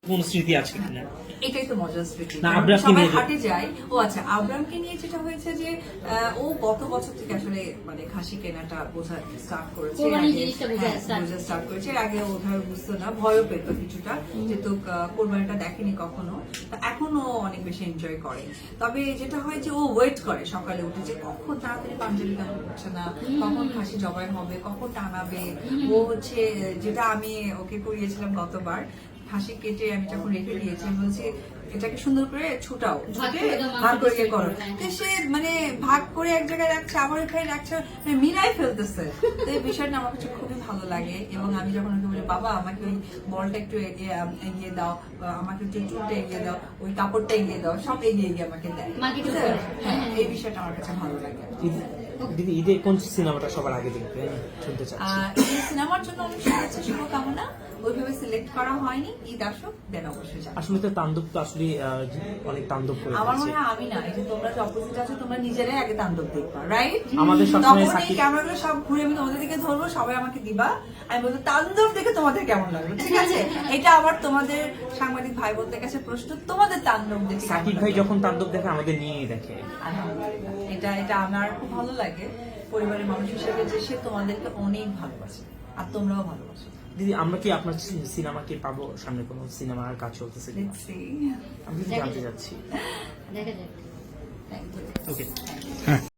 কোন স্মৃতি আছে কিনা? এটাই তো মজার স্মৃতি। না, আবরামকে সবাই নিয়ে হাটে যায়। ও আচ্ছা, আবরামকে নিয়ে যেটা হয়েছে যে ও গত বছর থেকে আসলে মানে খাসি কেনাটা বোঝা স্টার্ট করেছে, কোরবানির জিনিসটা বোঝা স্টার্ট করেছে। এর আগে ওভাবে বুঝতো না, ভয়ও পেত কিছুটা, যেহেতু কোরবানিটা দেখেনি কখনো। তা এখনো অনেক বেশি এনজয় করে। তবে যেটা হয় যে ও ওয়েট করে সকালে উঠে যে কখন তাড়াতাড়ি পাঞ্জাবি কেন হচ্ছে না, কখন খাসি জবাই হবে, কখন টানাবে। ও হচ্ছে যেটা আমি ওকে করিয়েছিলাম গতবার, খাসি কেটে আমি যখন রেখে দিয়েছি, আমি বলছি এটাকে সুন্দর করে ছুটাও, ছুটে ভাগ করে ইয়ে করো। তো সে মানে ভাগ করে এক জায়গায় রাখছে, আবার এখানে রাখছে, মানে মিলাই ফেলতেছে। তো এই বিষয়টা আমার কাছে খুবই ভালো লাগে। এবং আমি যখন ওকে বলি বাবা আমাকে ওই বলটা একটু এগিয়ে দাও, আমাকে একটু চুলটা এগিয়ে দাও, ওই কাপড়টা এগিয়ে দাও, সব এগিয়ে আমাকে দেয়। হ্যাঁ, এই বিষয়টা আমার কাছে ভালো লাগে। দিদি, ঈদে কোন সিনেমাটা সবার আগে দেখবেন শুনতে চাচ্ছি? এই সিনেমার জন্য অনেক শুভেচ্ছা শুভকামনা। ওইভাবে সিলেক্ট করা হয়নি, ঈদ আসুক দেন অবশ্যই যাবো। আসলে তো তাণ্ডব তো আসলে অনেক তাণ্ডব করে আমার মনে ফেলছে। হয় আমি না, এই যে তোমরা যে অপোজিট আছো, তোমরা নিজেরাই আগে তাণ্ডব দেখবা, রাইট? আমাদের তখন সবসময় এই সাকিব ক্যামেরাগুলো সব ঘুরে আমি তোমাদের দিকে ধরবো, সবাই আমাকে দিবা, আমি বলবো তাণ্ডব দেখে তোমাদের কেমন লাগলো, ঠিক আছে? এটা আবার তোমাদের সাংবাদিক ভাই বোনদের কাছে প্রশ্ন, তোমাদের তাণ্ডব দেখে কেমন সাকিব ভাই লাগলো? যখন তাণ্ডব দেখে আমাদের নিয়েই দেখে। আলহামদুলিল্লাহ, এটা আমার খুব ভালো লাগে পরিবারের মানুষ হিসেবে, যে সে তোমাদেরকে অনেক ভালোবাসে আর তোমরাও ভালোবাসো। দিদি, আমরা কি আপনার সিনেমা কি পাবো? সামনে কোনো সিনেমার কাজ চলতেছে কিনা? Let's see. আমি জানতে চাচ্ছি। দেখা যাক। Thank you. Okay. Thank you.